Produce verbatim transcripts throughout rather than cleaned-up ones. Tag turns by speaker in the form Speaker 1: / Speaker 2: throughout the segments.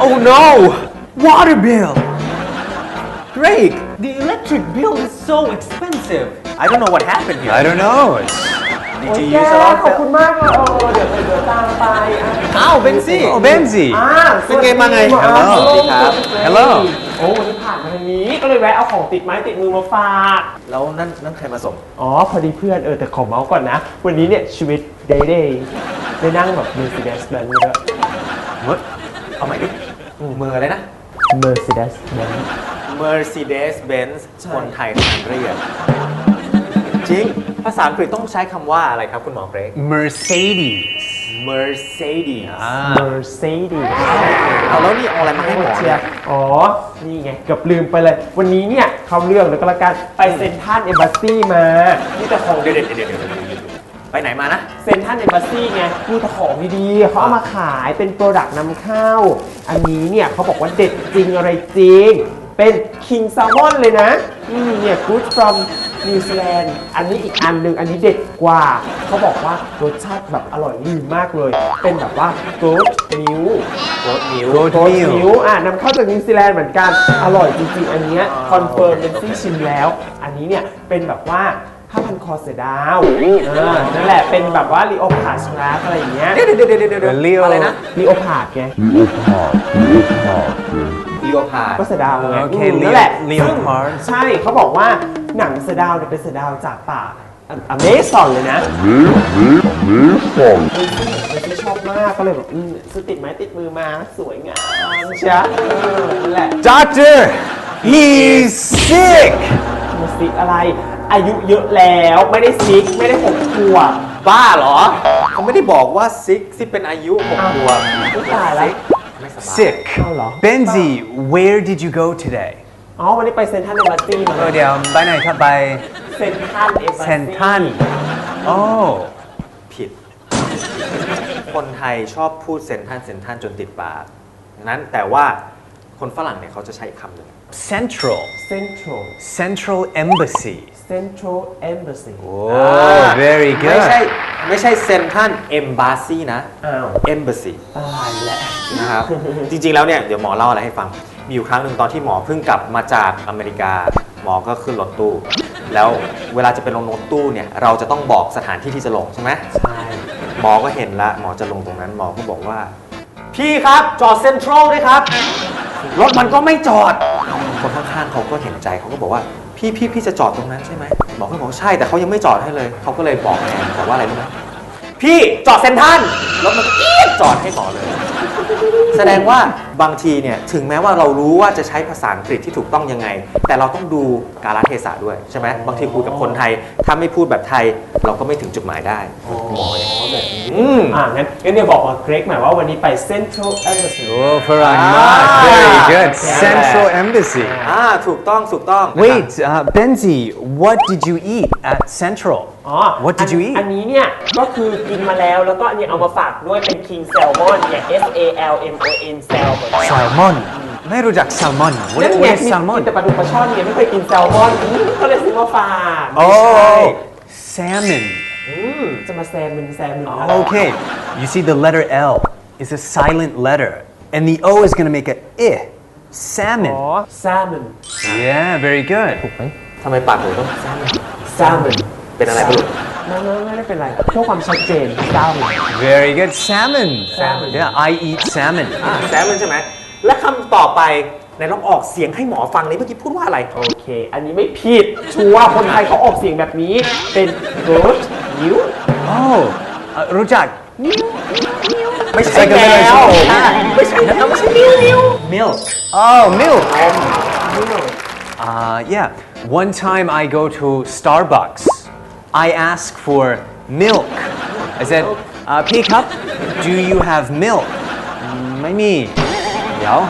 Speaker 1: Oh no! Water bill! Greg, the electric bill is so expensive. I don't know what happened here.
Speaker 2: I don't know. It's...
Speaker 1: Did
Speaker 3: โอ้ย
Speaker 1: you
Speaker 3: แก
Speaker 1: use a lot
Speaker 3: ขอบคุณมากเลยเออเดี๋ยวเดี๋ยวตามไปอ่ะ
Speaker 1: อ้าวเบนซี่
Speaker 2: Oh, Benzi.
Speaker 3: อ่า
Speaker 1: เป็นไงมาไง
Speaker 3: สวัสดี
Speaker 2: Hello
Speaker 3: ครับ
Speaker 2: Hello
Speaker 3: โอ้วันนี้ผ่านมาทางนี้ก็เลยแวะเอาของติดไม้ติดมือมาฝาก
Speaker 1: แล้วนั่นนั่นใครมาส่ง
Speaker 3: อ๋อพอดีเพื่อนเออแต่ขอเมาส์ก่อนนะ วันนี้เนี่ยชีวิตเดย์เดย์ได้นั่งแบบ Mercedes Benz เยอะ
Speaker 1: เมื่อเอาใหม่ดิเมืออะไรนะ
Speaker 3: Mercedes Benz
Speaker 1: Mercedes Benz
Speaker 3: ใช่
Speaker 1: คนไทยทานเรียกจริง ภาษาอังกฤษต้องใช้คำว่าอะไรครับคุณหมอเกรก
Speaker 2: Mercedes.
Speaker 1: Mercedes
Speaker 2: Ah.
Speaker 3: Mercedes
Speaker 1: เอาแล้วนี่เอาอะไรมาให้หมอ
Speaker 3: เชี
Speaker 1: เนี่ย ย
Speaker 3: ร์อ๋อ นี่ไงเกือบลืมไปเลย วันนี้เนี่ยเขาเรื่องแล้วก็แล้วกันไปเซนทรัลเอมบ s ซี่มา
Speaker 1: นี่แต่ของเด็ดๆเด็ดๆไปไหนมานะ
Speaker 3: เซนทรัลเอมบ s ซี่ไงมีแต่ของดีๆเขาเอามาขายเป็นโปรดักต์นำเข้า อันนี้เนี่ยเขาบอกว่าเด็ดจริงอะไรจริง เป็น King Salmon เลยนะอืมเนี่ย Good from New Zealand อันนี้อีกอันหนึ่งอันนี้เด็ดกว่า เขาบอกว่ารสชาติแบบอร่อยลืมมากเลย เป็นแบบว่า Goat Milk
Speaker 1: Goat Milk
Speaker 2: Goat
Speaker 3: Goat
Speaker 2: Milk.
Speaker 3: Milk อ่ะนำเข้าจากนิวซีแลนด์เหมือนกัน อร่อยจริงๆ อันเนี้ยคอนเฟิร์มเป็นซี่ชิมแล้ว อันนี้เนี่ยเป็นแบบว่าผ้าพันคอเสือดาวอ่านั่นแหละเป็นแบบว่าลีโอพาร์ดนะอะไรอย่างเงี้ย
Speaker 1: เดี๋ยวเดี๋ยวเดี๋ยวเดี๋ยว
Speaker 2: Leo
Speaker 1: อะไรนะ
Speaker 3: ลีโอพาร์ดไง
Speaker 1: ลีโอพาร์ด
Speaker 3: ก็เสือดาวไง
Speaker 2: โอเค
Speaker 3: มนั่นแหละ
Speaker 2: Leopard
Speaker 3: ซึ่งใช่เขาบอกว่าหนังเสือดาวเนี่ยเป็นเสือดาวจากป่าอเมซอนเลยนะเป็นที่ชอบมากก็เลยแบบอืมซื้อติดไม้ติดมือมาสวยงามใช่เออนั่นแหละ
Speaker 2: Doctor, he's sick.
Speaker 3: มาซิกอะไร อายุเยอะแล้วไม่ได้ซิกไม่ได้หกขวบ
Speaker 1: บ้าเหรอ เขาไม่ได้บอกว่าซิกซิเป็นอายุหก
Speaker 3: อ้าว
Speaker 1: ขวบ
Speaker 3: อุ๊ยตายแล้ว
Speaker 1: ไม่สบาย
Speaker 2: Sick.
Speaker 3: เอาเหรอ
Speaker 2: Benzi, where did you go today?
Speaker 3: อ๋อวันนี้ไปเซนทรัลเอมบ s ซี่มา
Speaker 2: เออเดี๋ยวไปไหนครับไป
Speaker 3: เซนทรัลเอมบ s ซี่
Speaker 2: เซนทรัล โอ้
Speaker 1: ผิด คนไทยชอบพูดเซนทันเซนทันจนติดปากดังนั้นแต่ว่าคนฝรั่งเนี่ยเขาจะใช้อีกคำหนึ่ง
Speaker 2: Central.
Speaker 3: เซ็นทรัล
Speaker 2: Central Embassy.
Speaker 3: เซ็นทรัลเอมบ s ซี่
Speaker 2: Oh, very
Speaker 1: ไม่ใช่
Speaker 2: good.
Speaker 1: ไม่ใช่เซนทันเอมบาซีนะ
Speaker 3: อ้าว
Speaker 1: เอมบาซี
Speaker 3: ตายแหละ
Speaker 1: นะครับ จริงๆแล้วเนี่ยเดี๋ยวหมอเล่าอะไรให้ฟัง มีอยู่ครั้งหนึ่งตอนที่หมอเพิ่งกลับมาจากอเมริกา หมอก็ขึ้นรถตู้ แล้วเวลาจะไปลงรถตู้เนี่ยเราจะต้องบอกสถานที่ที่จะลงใช่ไหม
Speaker 3: ใช่
Speaker 1: หมอก็เห็นละหมอจะลงตรงนั้นหมอก็บอกว่า พี่ครับจอดเซ็นทรัลด้วยครับ รถมันก็ไม่จอด คนข้างๆเขาก็เห็นใจเขาก็บอกว่าพี่พี่พี่จะจอดตรงนั้นใช่ไหมหมอก็บอกใช่แต่เขายังไม่จอดให้เลยเขาก็เลยบอกแทนบอกว่าอะไรรู้ไหมพี่จอดเซ็นทรัลรถมันก็เอี๊ยดจอดให้หมอเลย แสดงว่าบางทีเนี่ยถึงแม้ว่าเรารู้ว่าจะใช้ภาษาอังกฤษที่ถูกต้องยังไง แต่เราต้องดูกาลเทศะด้วยใช่ไหมบางทีคุยกับคนไทย ถ้าไม่พูดแบบไทย เราก็ไม่ถึงจุดหมายได้หมออย่างนี้แบบนี้อืม
Speaker 3: อ่างั้นงั้นเดี๋ยวบอกกับเกรกหน่อยว่าวันนี้ไปเซ็นทรัลเอมบ s ซี่
Speaker 2: Oh, Farangmat. Very good. Central Embassy.
Speaker 1: อ่าถูกต้องถูกต้อง
Speaker 2: Wait, uh, Benzi, what did you eat at Central?
Speaker 3: อ๋อ
Speaker 2: What did you
Speaker 3: อัน
Speaker 2: eat?
Speaker 3: นี้เนี่ยก็คือกินมาแล้วแล้วก็อันนี้เอามาฝากด้วยเป็น King Salmon เนี่ย S A L M O N Salmon
Speaker 2: Salmon. ไม่รู้จัก salmon.
Speaker 3: นั่น
Speaker 2: What,
Speaker 3: ไง
Speaker 2: what is
Speaker 3: มี
Speaker 2: salmon?
Speaker 3: แต่ปลาดุกปลาช่อนเนี่ยไม่เคยกินแซลมอนอืมก็เลยซื้อมาฝาก
Speaker 2: Oh, salmon.
Speaker 3: อืมจะมาแซมมึนแซมมึน
Speaker 2: Okay, you see the letter L is a silent letter, and the O is going to make a I.
Speaker 3: อ๋อ
Speaker 2: Salmon.
Speaker 3: แซมมึน
Speaker 2: Yeah, very good.
Speaker 3: ถูกไหม
Speaker 1: ทำไมปากหนูต้องแซม
Speaker 3: แซมมึน
Speaker 1: เป็นอะไรไม่รู้
Speaker 3: ไม่ไม่ไม่ได้เป็นไรเพื่อความชัดเจนแซมมึน
Speaker 2: Very good. Salmon.
Speaker 3: Salmon.
Speaker 2: Yeah, I eat salmon.
Speaker 1: อ่าแซมมันใช่ไหมและคำต่อไปไหนลองออกเสียงให้หมอฟังเลยเมื่อกี้พูดว่าอะไร
Speaker 3: โอเค อันนี้ไม่ผิด ชัวร์คนไทยเขาออกเสียงแบบนี้ เป็น good นิ้ว
Speaker 2: Oh, uh, รู้จัก
Speaker 1: ไม่
Speaker 2: It's
Speaker 1: ใช่
Speaker 2: like a
Speaker 1: แม
Speaker 2: little
Speaker 1: ว
Speaker 2: troll.
Speaker 1: ไม่ใช่นะไม่ใช่นิ้วนิ้ว milk
Speaker 2: Oh, milk.
Speaker 3: นิ้ว
Speaker 2: Uh, yeah. One time I go to Starbucks. I ask for milk. I said, uh, "Pick up. Do you have milk?" "ไม่มี เดี๋ยว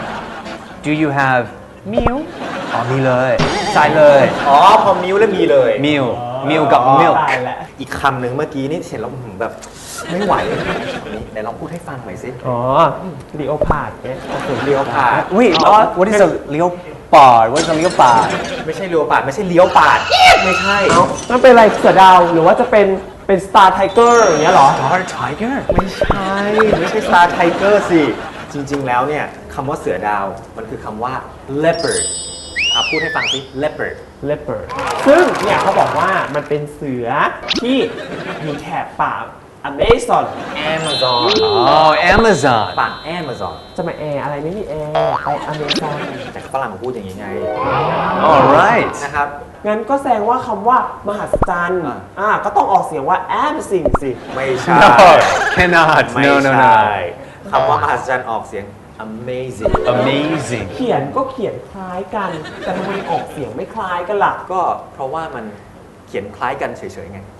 Speaker 2: Do you have milk?" อ๋อมีเลยใส่เลย
Speaker 1: อ๋อพอมิวแล้วมีเลย
Speaker 2: milk milk กับ milk
Speaker 3: ตายแล้ว
Speaker 1: อีกคำหนึ่งเมื่อกี้นี่เห็นแล้วผมแบบไม่ไหวเลยนี่ไหนลองพูดให้ฟังหน่อยสิ
Speaker 3: อ๋อลีโอพาร์ดเนี่ยโอเค
Speaker 1: เลี้ยวปาด
Speaker 2: Wait, uh, what is a leopard? What is a leopard?
Speaker 1: ไม่ใช่เลี้ยวปาดไม่ใช่เลี้ยวปาดไม่ใช่
Speaker 3: มันเป็นอะไรเสือดาวหรือว่าจะเป็นเป็นสตาร์ไทเกอร์อย่างเงี้ยเหรอ
Speaker 2: Star tiger?
Speaker 1: ไม่ใช่ไม่ใช่ Star Tiger สิจริงๆแล้วเนี่ยคำว่าเสือดาวมันคือคำว่า leopard อ่ะพูดให้ฟังสิ leopard
Speaker 3: leopard ซึ่งเนี่ยเขาบอกว่ามันเป็นเสือที่อยู่แถบป่า Amazon
Speaker 1: Amazon
Speaker 2: Oh, Amazon.
Speaker 1: ป่า Amazon
Speaker 3: จะมาแอร์อะไรไม่มีแอร์ไป Amazon
Speaker 1: แต่ฝรั่งเขาพูดอย่างนี้ไง
Speaker 2: All right.
Speaker 1: นะครับ
Speaker 3: งั้นก็แสดงว่าคำว่ามหัศจรรย์
Speaker 1: อ่า
Speaker 3: อ่าก็ต้องออกเสียงว่า amazing สิ
Speaker 1: ไม่ใช่
Speaker 2: No, cannot.
Speaker 1: ไม่
Speaker 2: No, no,
Speaker 1: ใช่
Speaker 2: no.
Speaker 1: คำว่ามหัศจรรย์ออกเสียง amazing
Speaker 2: Amazing.
Speaker 3: เขียนก็เขียนคล้ายกัน แต่ทำไมออกเสียงไม่คล้ายกันล่ะ
Speaker 1: ก็เพราะว่ามันเขียนคล้ายกันเฉยๆไง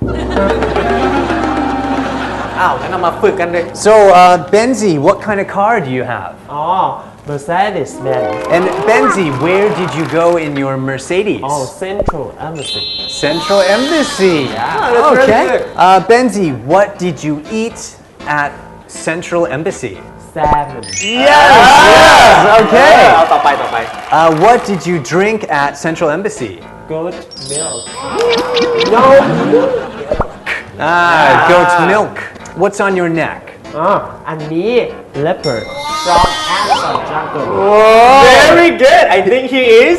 Speaker 1: อ้าวงั้นเรามาฝึกกันเลย
Speaker 2: So, uh, Benzi, what kind of car do you have?
Speaker 3: อ๋อ Mercedes Benz
Speaker 2: And Benzi, where did you go in your Mercedes?
Speaker 3: อ๋อ Central Embassy
Speaker 2: Central Embassy.
Speaker 3: Yeah.
Speaker 1: that's very
Speaker 2: Okay.
Speaker 1: good.
Speaker 2: Uh, Benzi, what did you eat at Central Embassy?
Speaker 3: Salmon
Speaker 2: Yes. Yes.
Speaker 1: เอา
Speaker 2: Okay.
Speaker 1: ต่อไปต่อไป
Speaker 2: Uh, what did you drink at Central Embassy?
Speaker 3: Good milk No
Speaker 2: Ah, goat milk. What's on your neck?
Speaker 3: อ๋ออันนี้ leopard from Amazon jungle
Speaker 1: Very good I think he is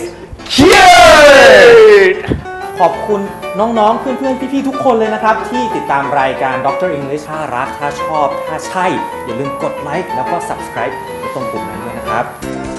Speaker 1: cute ขอบคุณน้องๆ เพื่อนๆ พี่ๆ ทุกคนเลยนะครับ ที่ติดตามรายการด็อกเตอร์ English ถ้ารัก ถ้าชอบ ถ้าใช่ อย่าลืมกดไลค์แล้วก็ subscribe ไว้ตรงปุ่มนั้นด้วยนะครับ